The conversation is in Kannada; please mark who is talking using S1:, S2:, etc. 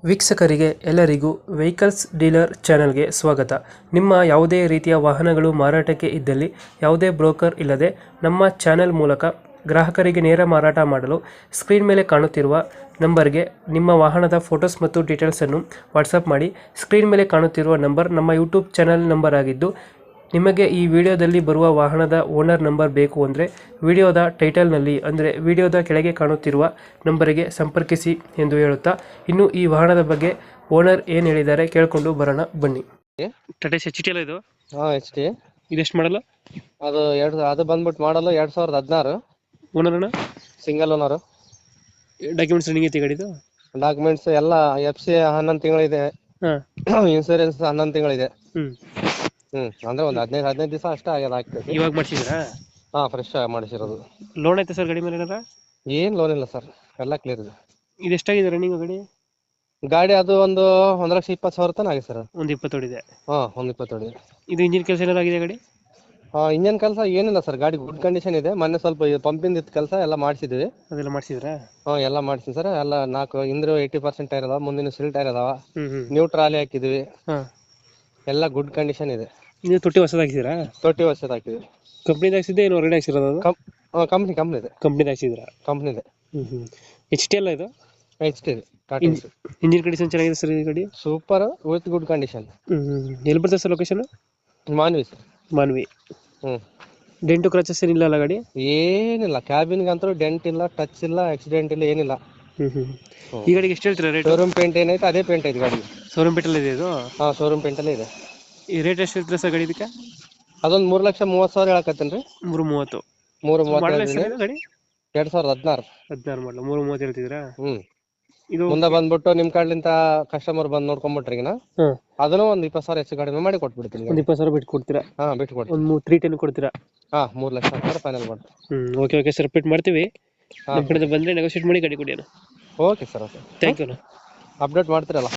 S1: ವೀಕ್ಷಕರಿಗೆ ಎಲ್ಲರಿಗೂ ವೆಹಿಕಲ್ಸ್ ಡೀಲರ್ ಚಾನೆಲ್ಗೆ ಸ್ವಾಗತ. ನಿಮ್ಮ ಯಾವುದೇ ರೀತಿಯ ವಾಹನಗಳು ಮಾರಾಟಕ್ಕೆ ಇದ್ದಲ್ಲಿ ಯಾವುದೇ ಬ್ರೋಕರ್ ಇಲ್ಲದೆ ನಮ್ಮ ಚಾನೆಲ್ ಮೂಲಕ ಗ್ರಾಹಕರಿಗೆ ನೇರ ಮಾರಾಟ ಮಾಡಲು ಸ್ಕ್ರೀನ್ ಮೇಲೆ ಕಾಣುತ್ತಿರುವ ನಂಬರ್ಗೆ ನಿಮ್ಮ ವಾಹನದ ಫೋಟೋಸ್ ಮತ್ತು ಡೀಟೇಲ್ಸನ್ನು ವಾಟ್ಸಪ್ ಮಾಡಿ. ಸ್ಕ್ರೀನ್ ಮೇಲೆ ಕಾಣುತ್ತಿರುವ ನಂಬರ್ ನಮ್ಮ ಯೂಟ್ಯೂಬ್ ಚಾನೆಲ್ ನಂಬರ್ ಆಗಿದ್ದು, ನಿಮಗೆ ಈ ವಿಡಿಯೋದಲ್ಲಿ ಬರುವ ವಾಹನದ ಓನರ್ ನಂಬರ್ ಬೇಕು ಅಂದರೆ ವಿಡಿಯೋದ ಟೈಟಲ್ನಲ್ಲಿ ಅಂದರೆ ವಿಡಿಯೋದ ಕೆಳಗೆ ಕಾಣುತ್ತಿರುವ ನಂಬರಿಗೆ ಸಂಪರ್ಕಿಸಿ ಎಂದು ಹೇಳುತ್ತಾ, ಇನ್ನು ಈ ವಾಹನದ ಬಗ್ಗೆ ಓನರ್ ಏನು ಹೇಳಿದ್ದಾರೆ ಕೇಳಿಕೊಂಡು ಬರೋಣ ಬನ್ನಿ. ಟಾಟಾ ಎಚ್ ಟಿ ಅಲ್ಲ ಇದು?
S2: ಹಾ, ಎಚ್ ಟಿ.
S1: ಇದೆಷ್ಟು ಮಾಡಲ್ಲ?
S2: ಅದು ಬಂದ್ಬಿಟ್ಟು ಮಾಡಲು 2016.
S1: ಓನರ್ ಅಣ್ಣ?
S2: Single owner.
S1: ಡಾಕ್ಯುಮೆಂಟ್ಸ್ ರನ್ನಿಂಗ್ ಐತಿ ಗಾಡಿದು?
S2: ಡಾಕ್ಯುಮೆಂಟ್ಸ್ ಎಲ್ಲ FC 11 ತಿಂಗಳಿದೆ.
S1: ಹಾಂ.
S2: ಇನ್ಸೂರೆನ್ಸ್ 11 ತಿಂಗಳಿದೆ.
S1: ಹ್ಞೂ.
S2: ಅಂದ್ರೆ ಒಂದು 15 ದಿವಸ ಅಷ್ಟೇ ಆಗ್ಯದ ಆಗ್ತದೆ.
S1: ಇವಾಗ ಮಾಡಿಸಿದ್ರಾ?
S2: ಹಾ, ಫ್ರೆಶ್ ಆಗಿ ಮಾಡಿಸಿರೋದು.
S1: ಲೋನ್ ಐತೆ ಸರ್ ಗಾಡಿ ಮೇಲೆ ಏನಾರ?
S2: ಏನ್ ಲೋನ್ ಇಲ್ಲ ಸರ್, ಎಲ್ಲ ಕ್ಲಿಯರ್ ಇದೆ.
S1: ಇದು ಎಷ್ಟಾಗಿದೆ ರನ್ನಿಂಗ್ ಗಾಡಿ?
S2: ಅದು ಒಂದು 1,20,000 ತನಕ ಆಗಿದೆ ಸರ್.
S1: ಒಂದು 20 ಹೊಡಿದೆ.
S2: ಹಾ, ಒಂದು 20 ಇದೆ.
S1: ಇದು ಇಂಜಿನ್ ಕೆಲಸ ಏನಾರು ಆಗಿದೆ ಗಾಡಿ?
S2: ಇಂಜನ್ ಕೆಲಸ ಏನಿಲ್ಲ ಸರ್, ಗಾಡಿ ಗುಡ್ ಕಂಡೀಷನ್ ಇದೆ. ಮೊನ್ನೆ ಸ್ವಲ್ಪ ಪಂಪಿಂದ ಇತ್ತು ಕೆಲಸ, ಎಲ್ಲ ಮಾಡಿಸಿದ್ವಿ.
S1: ಅದೆಲ್ಲ ಮಾಡಿಸಿದ್ರಾ?
S2: ಎಲ್ಲ ಮಾಡಿಸಿದ್ವಿ ಸರ್. ಎಲ್ಲ 4 ಹಿಂದ್ರೂ 80% ಟೈರ್ ಅದಾವ, ಮುಂದಿನ ಸಿಲ್ ಟೈರ್ ಅದಾವ.
S1: ಹ್ಞೂ.
S2: ನ್ಯೂ ಟ್ರಾಲಿ ಹಾಕಿದ್ವಿ.
S1: ಹಾಂ.
S2: ಎಲ್ಲ ಗುಡ್ ಕಂಡೀಷನ್ ಇದೆ.
S1: ನೀವು ತೊಟ್ಟಿ ಹೊಸದು ಹಾಕಿದ್ದೀರಾ?
S2: ತೊಟ್ಟಿ ವರ್ಷದ ಹಾಕಿದ್ವಿ.
S1: ಕಂಪ್ನಿದು ಹಾಕ್ಸಿದ್ದೆ ಏನು ಹೊರಗಡೆ ಹಾಕ್ಸಿರೋದು ಅದು?
S2: ಕಂಪ್ನಿ ಇದೆ.
S1: ಕಂಪ್ನಿದು ಹಾಕ್ಸಿದ್ರಾ?
S2: ಕಂಪ್ನಿದೆ.
S1: ಹ್ಞೂ. ಎಚ್ ಟಿ ಅಲ್ಲ ಇದು?
S2: ಎಚ್ ಟಿ ಇದೆ. ಟಾಟಾ
S1: ಇಂಜಿನ್ ಕಂಡೀಷನ್ ಚೆನ್ನಾಗಿದೆ ಸರ್ ಈ ಗಾಡಿ?
S2: Super with good condition.
S1: ಎಲ್ಲಿ ಬರ್ತದೆ sir location?
S2: Manvi sir.
S1: Manvi. Dent scratches ಏನಿಲ್ಲ ಅಲ್ಲ ಗಾಡಿ?
S2: ಏನಿಲ್ಲ, ಕ್ಯಾಬಿನ್ಗೆ ಅಂತೂ ಡೆಂಟ್ ಇಲ್ಲ, ಟಚ್ ಇಲ್ಲ, ಆಕ್ಸಿಡೆಂಟ್ ಇಲ್ಲ, ಏನಿಲ್ಲ.
S1: ಈ ಗಾಡಿಗೆ ಎಷ್ಟು ಹೇಳ್ತೀರಾ ರೇಟ್?
S2: ಶೋರೂಮ್ ಪೇಂಟ್ ಏನೈತೆ ಅದೇ ಪೇಂಟ್ ಐತೆ ಗಾಡಿ.
S1: ಶೋರೂಮ್ ಪೇಂಟಲ್ಲಿ ಇದೆ ಇದು?
S2: ಹಾ, ಶೋರೂಮ್ ಪೇಂಟಲ್ಲೇ ಇದೆ.
S1: ಈ ರೇಟ್ ಎಷ್ಟು ಹೇಳ್ತೀರಾ ಸರ್ ಗಾಡಿ ಇದಕ್ಕೆ?
S2: ಅದೊಂದು 3,30,000 ಹೇಳಕತ್ತೇನ್ರಿ.
S1: 330.
S2: 3,30,000
S1: ಗಾಡಿ
S2: 2016.
S1: 16 ಮಾಡಲು 330 ಹೇಳ್ತಿದ್ರಾ? ಇದು
S2: ಮುಂದೆ ಬಂದ್ಬಿಟ್ಟು ನಿಮ್ ಕಡೆಯಿಂದ ಕಸ್ಟಮರ್ ಬಂದು ನೋಡ್ಕೊಂಡ್ಬಿಟ್ರಿ ಅದನ್ನು ಒಂದು 20,000 ಹೆಚ್ಚು ಕಡಿಮೆ ಮಾಡಿ ಕೊಟ್ಬಿಡ್ತೀನಿ.
S1: ಒಂದು 20,000 ಬಿಟ್ಟು ಕೊಡ್ತೀರಾ?
S2: ಹಾ, ಬಿಟ್ಟು ಕೊಡ್ತೀನಿ.
S1: ಒಂದು 310 ಕೊಡ್ತೀರಾ?
S2: ಹಾ, 3,00,000 ಫೈನಲ್ ಮಾಡಿ.
S1: ಓಕೆ ಸರ್, ರಿಪೀಟ್ ಮಾಡ್ತೀವಿ. ನಮ್ಮ ಕಡೆ ಬಂದರೆ ನೆಗೋಷಿಯೇಟ್ ಮಾಡಿ ಗಾಡಿ ಕೊಡಿ.
S2: Okay sir, okay.
S1: Thank you.
S2: Update ಮಾಡ್ತೀರಲ್ಲ.